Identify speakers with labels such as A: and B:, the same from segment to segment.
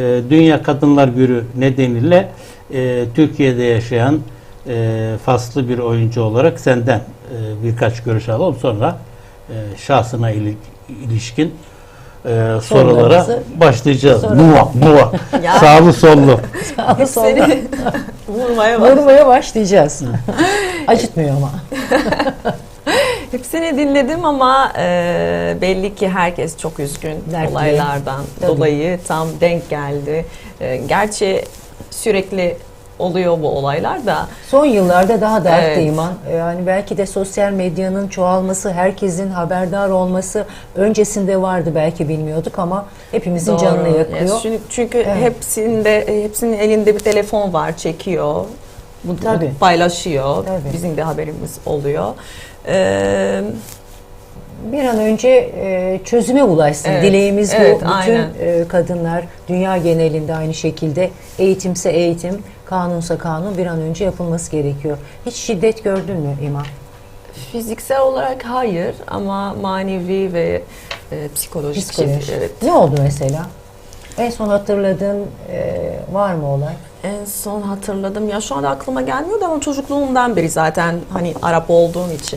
A: Dünya Kadınlar Günü nedeniyle Türkiye'de yaşayan Faslı bir oyuncu olarak senden birkaç görüş alalım. Sonra şahsına ilişkin sorulara başlayacağız. Muva. Sağlı sollu.
B: Sağlı sollu.
C: Vurmaya başlayacağız. Acıtmıyor ama.
B: Hepsini dinledim ama belli ki herkes çok üzgün olaylardan dolayı tam denk geldi. Gerçi sürekli oluyor bu olaylar da.
C: Son yıllarda daha da arttı İman. Yani belki de sosyal medyanın çoğalması, herkesin haberdar olması öncesinde vardı, belki bilmiyorduk ama hepimizin canını yakıyor.
B: Çünkü hepsinin elinde bir telefon var, çekiyor. Bunu paylaşıyor. Tabii. Bizim de haberimiz oluyor.
C: Bir an önce çözüme ulaşsın. Dileğimiz bu. Bütün kadınlar dünya genelinde aynı şekilde, eğitimse eğitim, kanunsa kanun bir an önce yapılması gerekiyor. Hiç şiddet gördün mü İman?
B: Fiziksel olarak hayır ama manevi ve psikolojik. Evet.
C: Ne oldu mesela? En son hatırladığın var mı olay?
B: En son hatırladım. Ya şu anda aklıma gelmiyor da ama çocukluğumdan beri zaten hani Arap olduğum için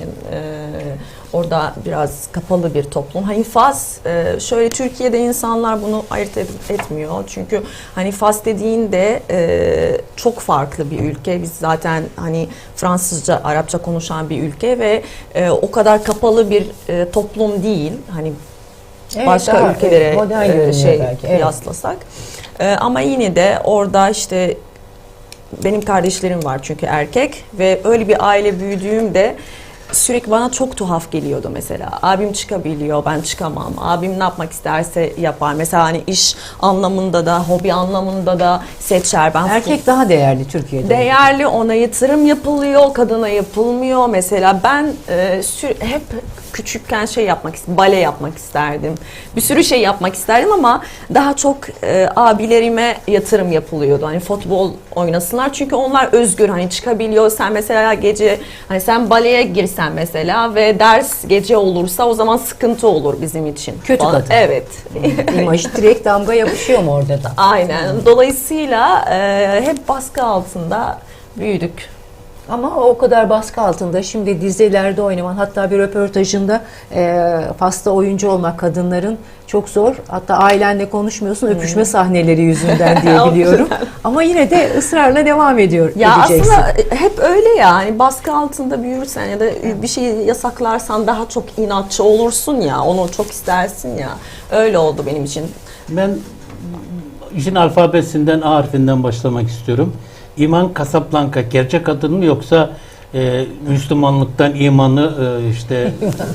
B: orada biraz kapalı bir toplum. Hani Fas, şöyle Türkiye'de insanlar bunu ayırt etmiyor. Çünkü hani Fas dediğinde çok farklı bir ülke. Biz zaten hani Fransızca, Arapça konuşan bir ülke ve o kadar kapalı bir toplum değil. Hani başka ülkelere kıyaslasak. Ama yine de orada işte benim kardeşlerim var çünkü erkek ve öyle bir aile büyüdüğümde sürekli bana çok tuhaf geliyordu mesela. Abim çıkabiliyor, ben çıkamam. Abim ne yapmak isterse yapar. Mesela hani iş anlamında da, hobi anlamında da seçer.
C: Erkek daha değerli Türkiye'de.
B: Değerli, ona yatırım yapılıyor, kadına yapılmıyor. Mesela ben hep küçükken bale yapmak isterdim. Bir sürü şey yapmak isterdim ama daha çok abilerime yatırım yapılıyordu. Hani futbol oynasınlar çünkü onlar özgür, hani çıkabiliyor. Sen mesela gece hani sen baleye girsen mesela ve ders gece olursa o zaman sıkıntı olur bizim için.
C: Kötü kadın.
B: Evet.
C: İmajı direkt damga yapışıyor mu orada da?
B: Aynen. Dolayısıyla hep baskı altında büyüdük.
C: Ama o kadar baskı altında şimdi dizilerde oynaman, hatta bir röportajında Fas'ta oyuncu olmak kadınların çok zor. Hatta ailenle konuşmuyorsun, öpüşme sahneleri yüzünden diye biliyorum. Ama yine de ısrarla devam edeceksin.
B: Aslında hep öyle ya. Hani baskı altında büyürsen ya da bir şeyi yasaklarsan daha çok inatçı olursun ya. Onu çok istersin ya. Öyle oldu benim için.
A: Ben işin alfabesinden, A harfinden başlamak istiyorum. İman Casablanca gerçek adın mı yoksa Müslümanlıktan imanı işte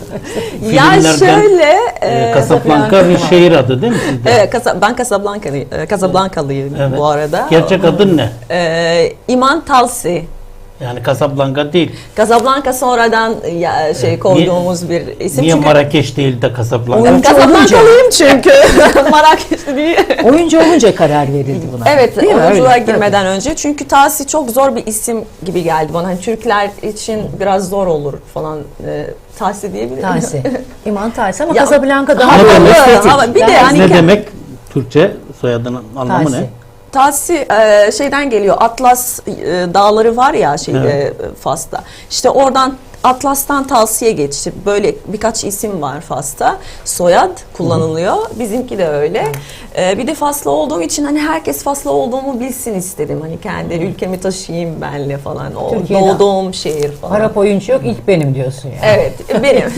B: ya şöyle
A: Casablanca bir şehir adı değil mi sizde?
B: Evet, ben Casablancalıyım bu arada.
A: Gerçek adın ne?
B: İman Talsi.
A: Yani Casablanca değil.
B: Casablanca sonradan koyduğumuz bir isim.
A: Niye Marrakeş değil de Casablanca?
B: Casablancalıyım çünkü. Marrakeş değil.
C: Oyuncu olunca karar verildi buna.
B: Evet, oyunculuğa girmeden önce. Çünkü Talsi çok zor bir isim gibi geldi bana. Hani Türkler için biraz zor olur falan. Talsi diyebilir miyim?
C: Talsi. İman Talsi ama Casablanca daha
B: ama bir de hani
A: ne demek Türkçe soyadının anlamı ne?
B: Talsi şeyden geliyor. Atlas dağları var ya Fas'ta. İşte oradan Atlas'tan Talsi'ye geçti. Böyle birkaç isim var Fas'ta. Soyad kullanılıyor. Bizimki de öyle. Bir de Faslı olduğum için hani herkes Faslı olduğumu bilsin istedim. Hani kendi ülkemi taşıyayım benle falan. Doğduğum şehir falan.
C: Arap oyuncu yok, ilk benim diyorsun yani.
B: Evet, benim.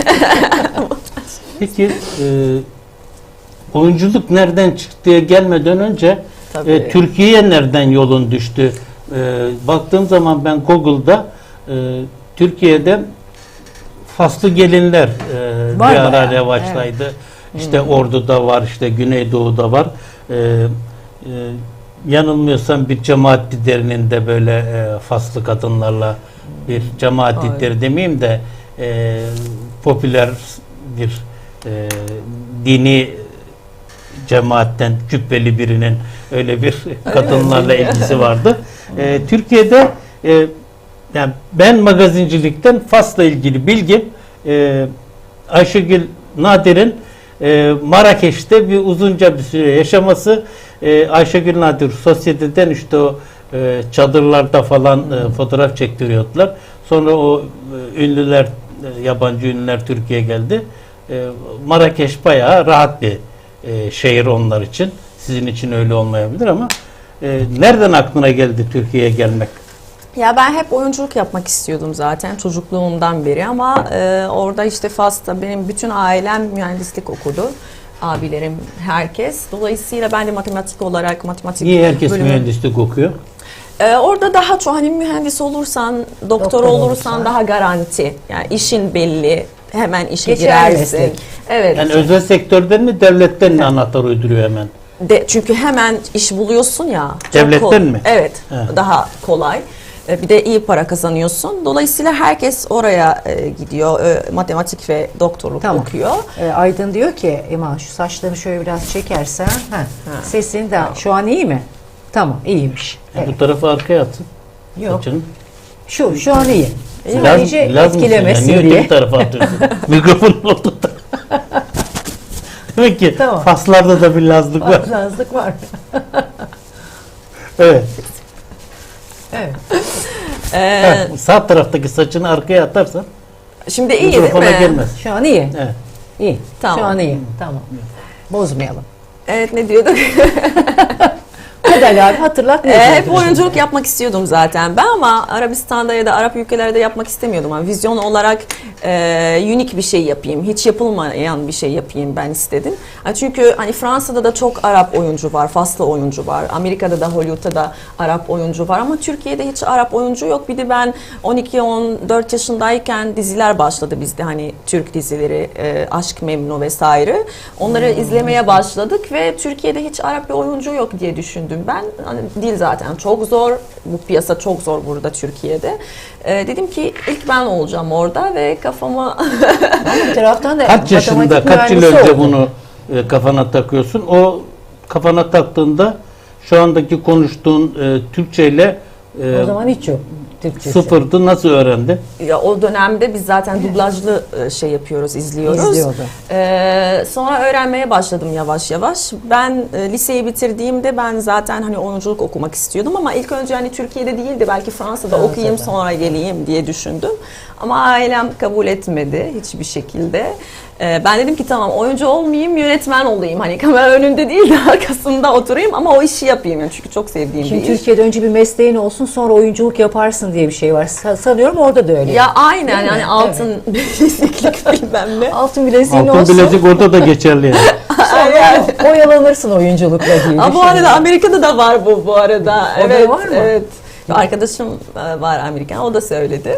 A: Peki oyunculuk nereden çıktıya gelmeden önce Türkiye'ye nereden yolun düştü? Baktığım zaman ben Google'da Türkiye'de Faslı gelinler bir ara revaçtaydı. Evet. İşte Ordu'da var, işte Güneydoğu'da var. Yanılmıyorsam bir cemaat liderinin de böyle Faslı kadınlarla bir cemaat lideri demeyeyim de popüler bir dini cemaatten cübbeli birinin öyle bir kadınlarla ilgisi vardı. Türkiye'de yani ben magazincilikten Fas'la ilgili bilgim Ayşegül Nadir'in Marrakeş'te bir uzunca bir süre yaşaması, Ayşegül Nadir sosyeteden işte o çadırlarda falan fotoğraf çektiriyordular. Sonra o ünlüler, yabancı ünlüler Türkiye'ye geldi. Marrakeş bayağı rahat bir şehir onlar için. Sizin için öyle olmayabilir ama nereden aklına geldi Türkiye'ye gelmek?
B: Ya ben hep oyunculuk yapmak istiyordum zaten çocukluğumdan beri ama orada işte Fas'ta benim bütün ailem mühendislik okudu. Abilerim, herkes. Dolayısıyla ben de matematik
A: Niye herkes
B: bölümü...
A: mühendislik okuyor?
B: Orada daha çok hani mühendis olursan, doktor olursan daha garanti. Yani işin belli, hemen işe
C: Geçer
B: girersin.
C: meslek.
B: Evet.
A: Yani özel sektörden mi, devletten mi anahtar uyduruyor hemen?
B: Çünkü hemen iş buluyorsun ya. çok
A: Devletten mi?
B: Evet,
A: He.
B: daha kolay. Bir de iyi para kazanıyorsun. Dolayısıyla herkes oraya gidiyor. Matematik ve doktorluk okuyor.
C: Aydın diyor ki Eman şu saçlarını şöyle biraz çekersen sesini de şu an iyi mi? Tamam iyiymiş. Evet.
A: Bu tarafı arkaya atın.
C: Yok.
A: Saçını.
C: Şu an iyi. İyice etkilemesin
A: Niye
C: diye.
A: öteki tarafa atıyorsun? Mikrofonun olduğu tarafa. Demek ki
C: Tamam.
A: faslarda da bir lazlık var.
C: Lazlık var.
A: Evet.
C: Evet.
A: Sağ taraftaki saçını arkaya atarsan
B: Şimdi iyi değil
A: mikrofona
B: mi?
A: gelmez.
C: Şu an iyi.
A: Evet.
C: İyi.
B: Tamam.
C: Şu an iyi. Tamam. Bozmayalım.
B: Evet, ne diyorduk?
C: Hadi Ali abi hatırlat. Ne
B: Hep
C: diyordun
B: oyunculuk
C: şimdi?
B: yapmak istiyordum zaten ben ama Arabistan'da ya da Arap ülkelerde yapmak istemiyordum. Yani vizyon olarak unik bir şey yapayım, hiç yapılmayan bir şey yapayım ben istedim. Çünkü hani Fransa'da da çok Arap oyuncu var, Faslı oyuncu var. Amerika'da da Hollywood'da da Arap oyuncu var ama Türkiye'de hiç Arap oyuncu yok. Bir de ben 12-14 yaşındayken diziler başladı bizde, hani Türk dizileri, Aşk Memnu vesaire. Onları izlemeye başladık ve Türkiye'de hiç Arap bir oyuncu yok diye düşündüm ben. Hani dil zaten çok zor. Bu piyasa çok zor burada Türkiye'de. Dedim ki ilk ben olacağım orada ve kafama...
C: Bir taraftan da
A: kaç yaşında,
C: matematik
A: kaç yıl
C: mühendisi
A: önce
C: oldun.
A: bunu kafana takıyorsun? O kafana taktığında şu andaki konuştuğun Türkçeyle
C: O zaman hiç yok. Türkçesi.
A: sıfırdı. Nasıl öğrendin?
B: Ya o dönemde biz zaten dublajlı şey yapıyoruz, izliyoruz.
C: İzliyordu.
B: Sonra öğrenmeye başladım yavaş yavaş. Ben liseyi bitirdiğimde ben zaten hani oyunculuk okumak istiyordum ama ilk önce hani Türkiye'de değildi, belki Fransa'da okuyayım sonra geleyim diye düşündüm. Ama ailem kabul etmedi hiçbir şekilde. Ben dedim ki tamam, oyuncu olmayayım, yönetmen olayım. Hani kamera önünde değil de arkasında oturayım ama o işi yapayım. Yani çünkü çok sevdiğim
C: Şimdi
B: bir iş.
C: Türkiye'de önce bir mesleğin olsun sonra oyunculuk yaparsın diye bir şey var. Sanıyorum orada da öyle.
B: Ya aynen,
C: Değil mi?
B: yani altın bileziklik bilmem ne.
C: Altın bileziğin
A: Altın
C: olsun.
A: bilezik orada da geçerli yani.
C: Sonra oyalanırsın oyunculukla diye
B: Aa, bu
C: düşünüyorum.
B: arada Amerika'da da var bu arada.
C: O da
B: Evet,
C: var mı?
B: evet. Arkadaşım var Amerikan, o da söyledi.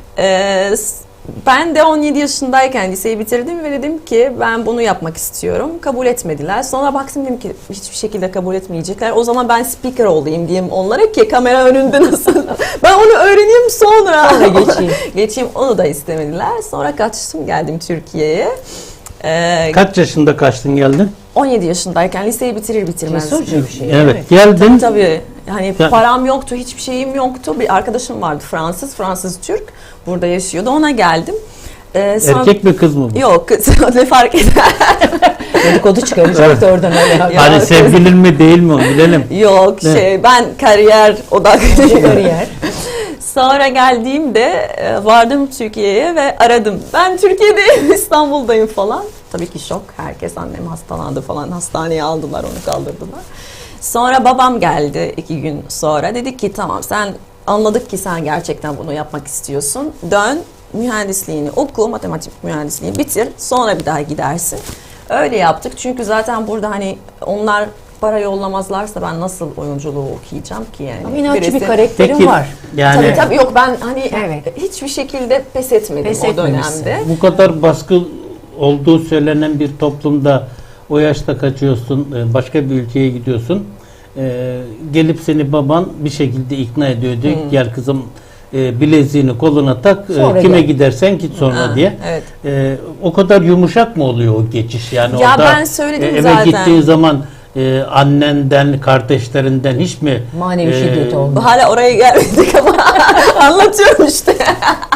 B: Ben de 17 yaşındayken liseyi bitirdim ve dedim ki ben bunu yapmak istiyorum. Kabul etmediler. Sonra baktım, dedim ki hiçbir şekilde kabul etmeyecekler. O zaman ben speaker olayım diyeyim onlara ki kamera önünde nasıl. Ben onu öğreneyim sonra.
C: Sonra geçeyim.
B: Geçeyim, onu da istemediler. Sonra kaçtım, geldim Türkiye'ye.
A: Kaç yaşında kaçtın geldin?
B: 17 yaşındayken liseyi bitirir bitirmez.
C: Cesurca bir şey.
A: Evet, geldin.
B: Tabii. Hani
A: Yani-
B: param yoktu, hiçbir şeyim yoktu. Bir arkadaşım vardı Fransız Türk. Burada yaşıyordu. Ona geldim.
A: Erkek mi kız mı bu?
B: Yok, kız. Ne fark eder?
C: Dedikodu çıkaracak da oradan öyle.
B: Ya,
A: Hani
B: kız-
A: sevgilin mi değil mi onu bilelim.
B: Yok, ben kariyer odaklıyım.
C: Kariyer.
B: Sonra geldiğimde vardım Türkiye'ye ve aradım. Ben Türkiye'deyim, İstanbul'dayım falan. Tabii ki şok. Herkes, annem hastalandı falan. Hastaneye aldılar, onu kaldırdılar. Sonra babam geldi 2 gün sonra. Dedi ki tamam, sen anladık ki sen gerçekten bunu yapmak istiyorsun. Dön, mühendisliğini oku, matematik mühendisliğini bitir. Sonra bir daha gidersin. Öyle yaptık. Çünkü zaten burada hani onlar para yollamazlarsa ben nasıl oyunculuğu okuyacağım ki yani.
C: Ama inatçı bir
B: Birisi-
C: karakterin
A: Peki
C: var.
A: yani
B: Tabii yok, ben hani
C: Evet.
B: hiçbir şekilde pes etmedim
C: Pes
B: o
C: etmemişsin.
B: dönemde.
A: bu kadar baskı olduğu söylenen bir toplumda o yaşta kaçıyorsun, başka bir ülkeye gidiyorsun. Gelip seni baban bir şekilde ikna ediyor, diyor ki gel kızım bileziğini koluna tak,
C: Sonra
A: kime
C: gel.
A: gidersen git sonra
B: Ha,
A: diye.
B: evet.
A: O kadar yumuşak mı oluyor o geçiş yani?
B: Ya
A: orada,
B: ben söyledim
A: eve
B: zaten.
A: gittiğin zaman annenden, kardeşlerinden hiç mi
C: Manevi şiddet oldu.
B: Hala oraya gelmedik ama anlatıyorum işte.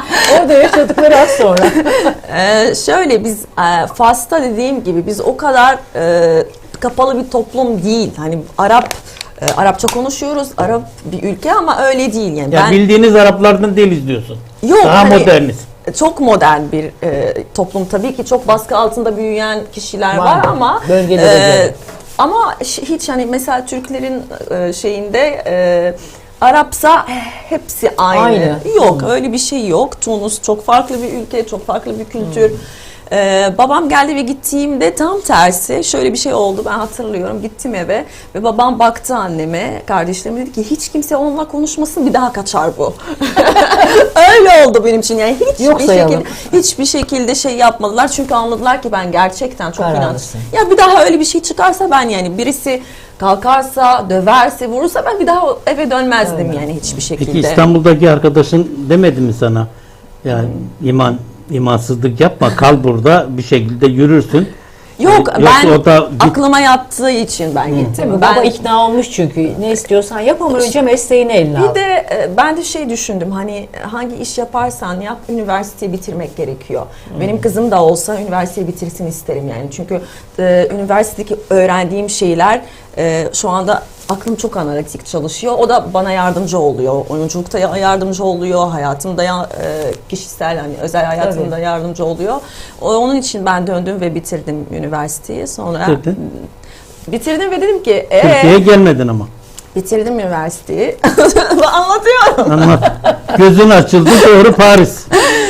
C: Orada yaşadıkları az sonra.
B: Şöyle biz Fas'ta dediğim gibi biz o kadar kapalı bir toplum değil. Hani Arapça konuşuyoruz. Arap bir ülke ama öyle değil yani.
A: Ya bildiğiniz Araplardan değiliz diyorsun.
B: Yok,
A: daha
B: hani,
A: moderniz.
B: Çok modern bir toplum tabii ki, çok baskı altında büyüyen kişiler var ama
C: bölgelere
B: ama hiç hani mesela Türklerin şeyinde Arapsa hepsi aynı. Yok, öyle bir şey yok. Tunus çok farklı bir ülke, çok farklı bir kültür. Babam geldi ve gittiğimde tam tersi şöyle bir şey oldu, ben hatırlıyorum. Gittim eve ve babam baktı anneme, kardeşlerime, dedi ki hiç kimse onunla konuşmasın, bir daha kaçar bu. Öyle oldu benim için yani, hiçbir şekilde şey yapmadılar çünkü anladılar ki ben gerçekten çok inançlıyım. Ya bir daha öyle bir şey çıkarsa ben, yani birisi kalkarsa, döverse, vurursa ben bir daha eve dönmezdim yani hiçbir şekilde.
A: Peki İstanbul'daki arkadaşın demedi mi sana? Yani imansızlık yapma, kal burada, bir şekilde yürürsün.
B: Yok,
A: ben
B: aklıma yattığı için ben gittim.
C: Baba ikna olmuş çünkü, ne istiyorsan yap ama önce mesleğini eline al.
B: Bir de ben de şey düşündüm, hani hangi iş yaparsan yap, üniversiteyi bitirmek gerekiyor. Benim kızım da olsa üniversiteyi bitirsin isterim yani. Çünkü üniversitedeki öğrendiğim şeyler şu anda aklım çok analitik çalışıyor. O da bana yardımcı oluyor. Oyunculukta yardımcı oluyor. Hayatımda kişisel, hani özel hayatımda yardımcı oluyor. Onun için ben döndüm ve bitirdim üniversiteyi. Sonra bitirdim ve dedim ki
A: Türkiye'ye gelmedin ama.
B: Bitirdim üniversiteyi. Anlatıyorum.
A: Anlat. Gözün açıldı, doğru Paris.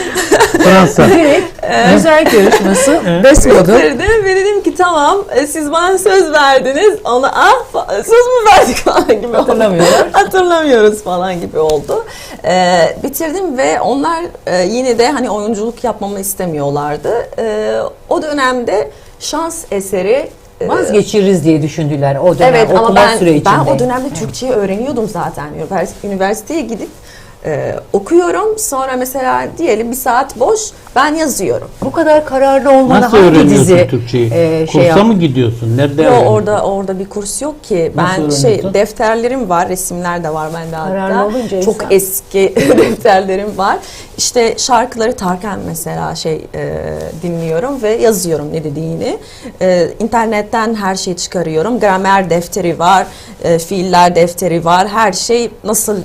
A: Fransa.
C: Direkt özel görüşmesi.
B: Bitirdim ve dedim ki tamam, siz bana söz verdiniz. Ona söz mü verdik falan gibi
C: Hatırlamıyorlar.
B: Hatırlamıyoruz falan gibi oldu. Bitirdim ve onlar yine de hani oyunculuk yapmamı istemiyorlardı. O dönemde şans eseri
C: vazgeçiriz diye düşündüler o dönem,
B: evet,
C: okuma süre içinde.
B: Ben o dönemde Türkçeyi öğreniyordum zaten. Üniversiteye gidip okuyorum. Sonra mesela diyelim bir saat boş, ben yazıyorum.
C: Bu kadar kararlı olmana
A: nasıl
C: hangi
A: öğreniyorsun
C: dizi
A: Türkçeyi? Kursa mı gidiyorsun? Nerede öğreniyorsun?
B: Orada bir kurs yok ki.
A: Nasıl
B: Ben defterlerim var, resimler de var bende hatta. Çok
C: insan...
B: eski defterlerim var. İşte şarkıları Tarkan mesela dinliyorum ve yazıyorum ne dediğini. İnternetten her şeyi çıkarıyorum. Gramer defteri var, fiiller defteri var. Her şey nasıl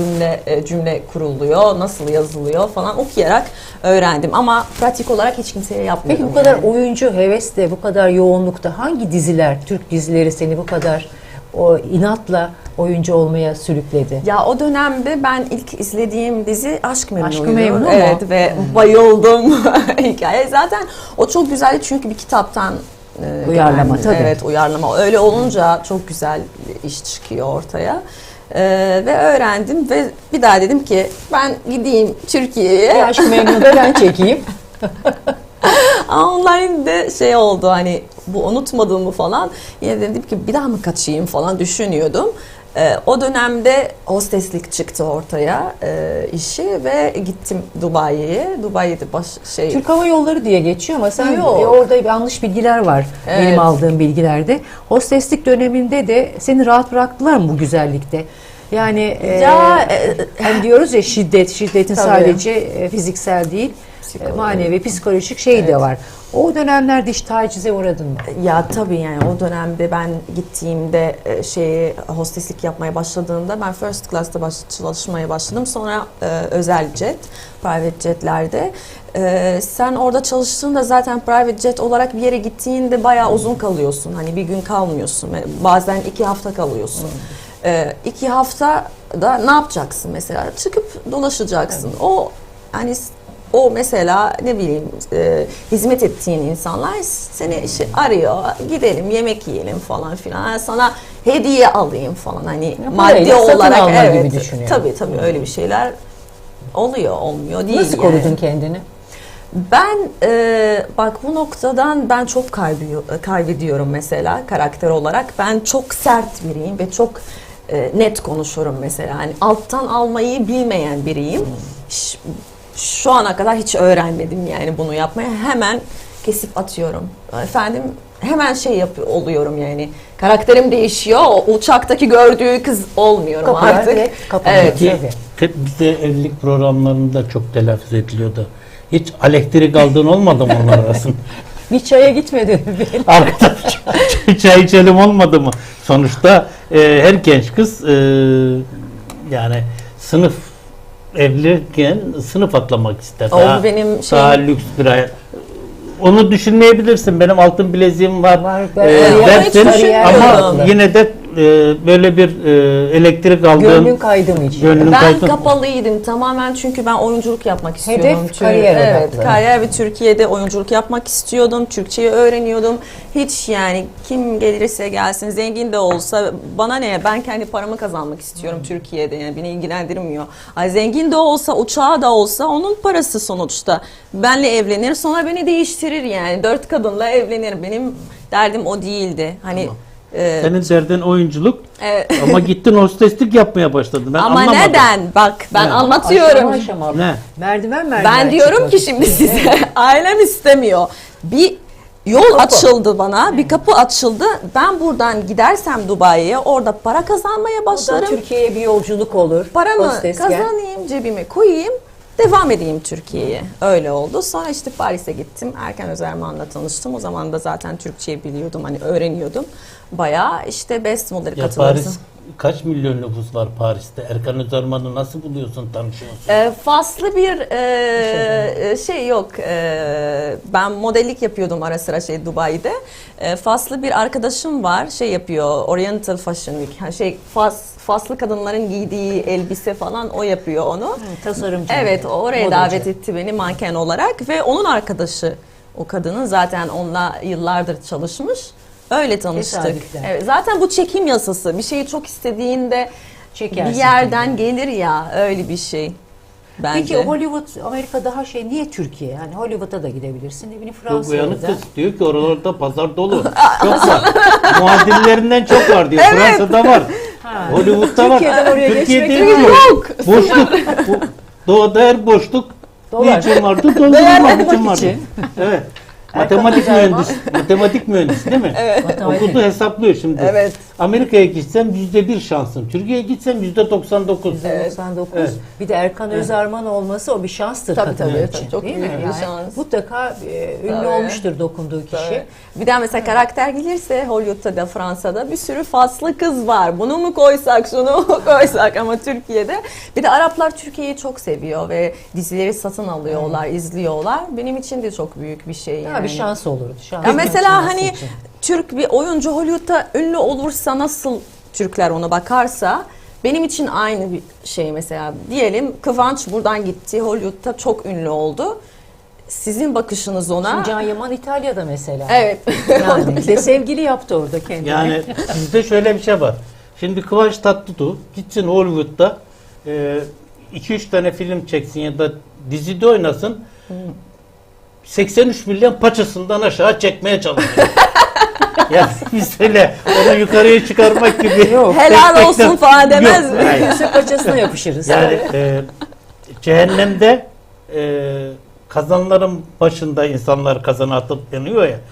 B: cümle kuruluyor, nasıl yazılıyor falan okuyarak öğrendim. Ama pratik olarak hiç kimseye yapmıyorum.
C: Peki bu kadar oyuncu hevesle, bu kadar yoğunlukta hangi diziler, Türk dizileri seni bu kadar o inatla oyuncu olmaya sürükledi?
B: Ya o dönemde ben ilk izlediğim dizi Aşk Memnu'ydu.
C: Aşk-ı Memnu
B: evet, ve bayıldım hikaye. Zaten o çok güzeldi çünkü bir kitaptan
C: uyarlama tabii.
B: Evet, uyarlama. Öyle olunca çok güzel iş çıkıyor ortaya. Ve öğrendim ve bir daha dedim ki ben gideyim Türkiye'ye.
C: Aşk-ı Memnu'da ben çekeyim.
B: Ama onların de şey oldu, hani bu unutmadığımı falan, yine dedim ki bir daha mı kaçayım falan düşünüyordum. O dönemde hosteslik çıktı ortaya işi ve gittim Dubai'ye. Dubai'de
C: Türk Hava Yolları diye geçiyor ama sen orada yanlış bilgiler var. Evet. Benim aldığım bilgilerde. Hosteslik döneminde de seni rahat bıraktılar mı bu güzellikte? Yani hani diyoruz ya şiddetin sadece fiziksel değil, manevi, psikolojik şey de var. O dönemlerde hiç tacize uğradın mı?
B: Ya tabii, yani o dönemde ben gittiğimde hosteslik yapmaya başladığımda ben first class'ta çalışmaya başladım. Sonra özel jet, private jetlerde. Sen orada çalıştığında zaten private jet olarak bir yere gittiğinde bayağı uzun kalıyorsun. Hani bir gün kalmıyorsun. Bazen 2 hafta kalıyorsun. 2 haftada ne yapacaksın mesela? Çıkıp dolaşacaksın. Evet. O mesela ne bileyim hizmet ettiğin insanlar seni arıyor, gidelim yemek yiyelim falan filan, sana hediye alayım falan, hani maddi olarak
C: gibi düşünüyor.
B: Tabii öyle bir şeyler oluyor, olmuyor değil.
C: Nasıl korudun kendini?
B: Ben bak bu noktadan ben çok kaybediyorum mesela karakter olarak. Ben çok sert biriyim ve çok net konuşurum mesela. Hani alttan almayı bilmeyen biriyim. Şu ana kadar hiç öğrenmedim yani bunu yapmaya. Hemen kesip atıyorum. Efendim hemen oluyorum yani. Karakterim değişiyor. O uçaktaki gördüğü kız olmuyorum
C: Kapılar
B: artık.
C: Evet.
A: hep bize evlilik programlarında çok telaffuz ediliyordu. Hiç elektrik aldığın olmadı mı onlar arasında?
C: Bir çaya gitmedin mi?
A: Arkadaş çay içelim olmadı mı? Sonuçta her genç kız yani sınıf evliyken sınıf atlamak ister.
B: O benim
A: daha lüks bir hayat. Onu düşünmeyebilirsin. Benim altın bileziğim var. Dersin ama yine de böyle bir elektrik aldığın
C: gönlün kaydı mı hiç?
B: Ben kapalıydım tamamen çünkü ben oyunculuk yapmak istiyordum.
C: Hedef kariyer
B: Evet,
C: odaklı.
B: kariyer ve Türkiye'de oyunculuk yapmak istiyordum. Türkçeyi öğreniyordum. Hiç yani kim gelirse gelsin, zengin de olsa bana ne? Ben kendi paramı kazanmak istiyorum Türkiye'de. Yani beni ilgilendirmiyor. Ay zengin de olsa, uçağı da olsa onun parası sonuçta. Benle evlenir, sonra beni değiştirir yani. 4 kadınla evlenir. Benim derdim o değildi. Hani
A: Tamam. Senin derdin oyunculuk
B: evet.
A: ama gittin hosteslik yapmaya başladın. Ben
B: Ama
A: anlamadım.
B: neden? Bak ben
A: Ne?
B: anlatıyorum.
C: Aşama aşama.
A: Ne?
C: Merdiven merdiven.
B: Ben diyorum
C: çıkmak
B: ki şimdi
C: istiyor.
B: size ailem istemiyor. Bir yol açıldı bana, bir kapı açıldı. Ben buradan gidersem Dubai'ye orada para kazanmaya
C: O da
B: başlarım.
C: Türkiye'ye bir yolculuk olur.
B: Paramı
C: hostesken.
B: kazanayım, cebime koyayım. Devam edeyim Türkiye'ye. Öyle oldu. Sonra işte Paris'e gittim. Erkan Özerman'la tanıştım. O zaman da zaten Türkçeyi biliyordum. Hani öğreniyordum. Bayağı işte Best Model
A: Ya
B: katılırdım.
A: Paris kaç milyon nüfus var Paris'te? Erkan Özerman'ı nasıl buluyorsun, tanışıyorsun?
B: Faslı bir şey yok. Ben modellik yapıyordum ara sıra Dubai'de. Faslı bir arkadaşım var. Şey yapıyor. Oriental Fashion Week. Yani Faslı kadınların giydiği elbise falan o yapıyor onu.
C: Tasarımcı.
B: Evet, oraya
C: modacı.
B: davet etti beni manken olarak ve onun arkadaşı o kadının zaten onunla yıllardır çalışmış. Öyle tanıştık.
C: Tesadüfler.
B: Evet, zaten bu çekim yasası. Bir şeyi çok istediğinde
C: Çekersin
B: bir yerden
C: tabii.
B: gelir ya öyle bir şey. Bence.
C: Peki Hollywood, Amerika daha şey, niye Türkiye? Yani Hollywood'a da gidebilirsin. Ne bileyim
A: Çok
C: Fransa'da
A: uyanık
C: da.
A: kız diyor ki oralarda pazar dolu. Çok var. Muadillerinden çok var diyor. Fransa'da var.
C: Ha.
A: Hollywood'da var.
C: Türkiye'den oraya
A: Türkiye'de
C: geçmek
A: yok. Boşluk. Doğuda her boşluk
C: Dolar.
A: niçin vardı?
C: Dolar
A: Doldurmak için vardı.
C: için.
A: Evet.
C: Erkan
A: Matematik
C: Özerman.
A: mühendisi. Matematik mühendisi değil mi?
C: Matematik.
A: Okudu hesaplıyor şimdi.
B: Evet.
A: Amerika'ya gitsem %1 şansım. Türkiye'ye gitsem %99.
C: %99.
A: Evet.
C: Bir de Erkan Özarman olması o bir şanstır
B: Tabii,
C: kadın
B: tabii,
C: için.
B: tabii. Çok
C: değil
B: büyük
C: mi?
B: bir
C: Yani
B: şans.
C: mutlaka ünlü
B: Tabii.
C: olmuştur dokunduğu kişi.
B: Evet. Bir daha mesela karakter gelirse Hollywood'da da Fransa'da bir sürü faslı kız var. Bunu mu koysak, şunu mu koysak ama Türkiye'de. Bir de Araplar Türkiye'yi çok seviyor ve dizileri satın alıyorlar, izliyorlar. Benim için de çok büyük bir şey yani.
C: Ya bir şans olurdu. Şans
B: Ya mesela
C: şansı
B: hani
C: için.
B: Türk bir oyuncu Hollywood'da ünlü olursa nasıl Türkler ona bakarsa benim için aynı bir şey mesela. Diyelim Kıvanç buradan gitti, Hollywood'da çok ünlü oldu. Sizin bakışınız ona...
C: Şimdi Can Yaman İtalya'da mesela.
B: Evet.
C: Yani bir de sevgili yaptı orada kendine.
A: Yani bizde şöyle bir şey var. Şimdi Kıvanç Tatlıtuğ gitsin Hollywood'da 2-3 tane film çeksin ya da dizide oynasın. 83 milyon paçasından aşağı çekmeye çalışıyor. Yani biz öyle onu yukarıya çıkarmak gibi.
C: Yok.
B: Helal
A: destekler-
B: olsun falan demez
A: Yok,
B: mi?
A: hayır.
C: Yusuf paçasına yapışırız.
A: Yani cehennemde kazanların başında insanlar kazana atıp yanıyor ya.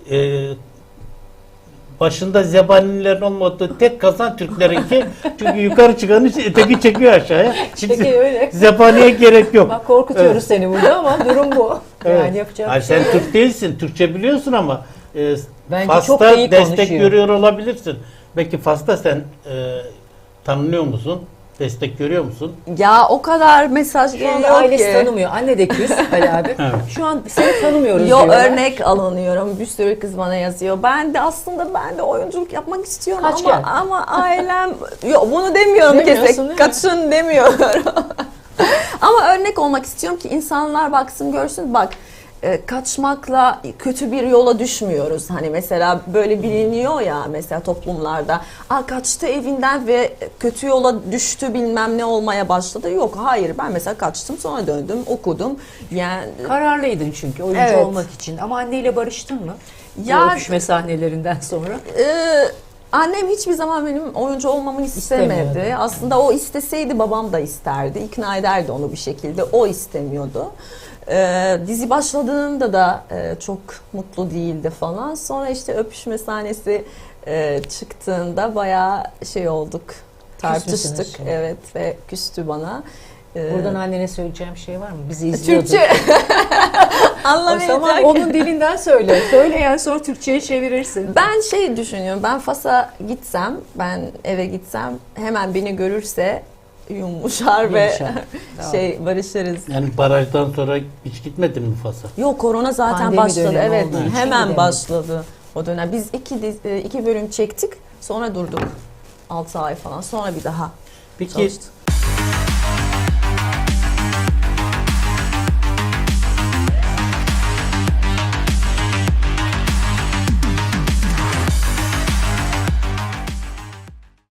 A: Başında zebanilerin olmadığı tek kazan Türklerinki. Çünkü yukarı çıkanı öteki çekiyor aşağıya.
C: Peki öyle.
A: Zebaniye gerek yok.
C: Bak korkutuyoruz seni burada ama durum bu.
A: Evet.
C: Yani yapacak
A: Hayır,
C: bir şey
A: sen
C: yok.
A: Türk değilsin. Türkçe biliyorsun ama
C: Bence
A: Fas'ta
C: çok da iyi
A: destek
C: konuşuyor.
A: görüyor olabilirsin. Belki Fas'ta sen tanınıyor musun? Destek görüyor musun?
B: Ya o kadar mesaj
C: Şu anda
B: geliyor
C: ailesi
B: ki.
C: tanımıyor. Anne de küs Ali abi.
A: Evet.
C: Şu an seni tanımıyoruz
B: Yo
C: diyorlar.
B: örnek alınıyorum. Bir sürü kız bana yazıyor. Ben de oyunculuk yapmak istiyorum
C: Kaç
B: ama
C: gel?
B: ama ailem yo bunu demiyorum
C: Demiyorsun, değil mi?
B: kaçın demiyorum. Ama örnek olmak istiyorum ki insanlar baksın görsün bak kaçmakla kötü bir yola düşmüyoruz. Hani mesela böyle biliniyor ya mesela toplumlarda. Kaçtı evinden ve kötü yola düştü bilmem ne olmaya başladı. Yok hayır ben mesela kaçtım sonra döndüm okudum. Yani
C: Kararlıydın çünkü oyuncu
B: Evet.
C: olmak için. Ama anneyle barıştın mı?
B: Ya-
C: Bu öpüşme sahnelerinden sonra.
B: Annem hiçbir zaman benim oyuncu olmamı istemedi.
C: İstemiyordu.
B: Aslında o isteseydi babam da isterdi. İkna ederdi onu bir şekilde. O istemiyordu. Dizi başladığında da çok mutlu değildi falan. Sonra işte öpüşme sahnesi çıktığında bayağı şey olduk. tartıştık.
C: müsünüz şimdi?
B: Evet ve küstü bana.
C: Buradan annene söyleyeceğim şey var mı? Bizi izliyordu.
B: Türkçe
C: O zaman
B: anlamayacak.
C: onun dilinden söyle. Söyle yani sonra Türkçe'ye çevirirsin.
B: Ben şey düşünüyorum, ben Fas'a gitsem, ben eve gitsem hemen beni görürse yumuşar ve
C: Yumuşar. Tamam.
B: barışırız.
A: Yani barajdan sonra hiç gitmedin mi Fas'a?
B: Yok, korona zaten
C: Pandemi
B: başladı.
C: dönemi
B: Evet,
C: olduğu için
B: hemen
C: gidemedik.
B: başladı o dönem. Biz iki bölüm çektik, sonra durduk. 6 ay falan, sonra bir daha
A: Peki
B: çalıştık.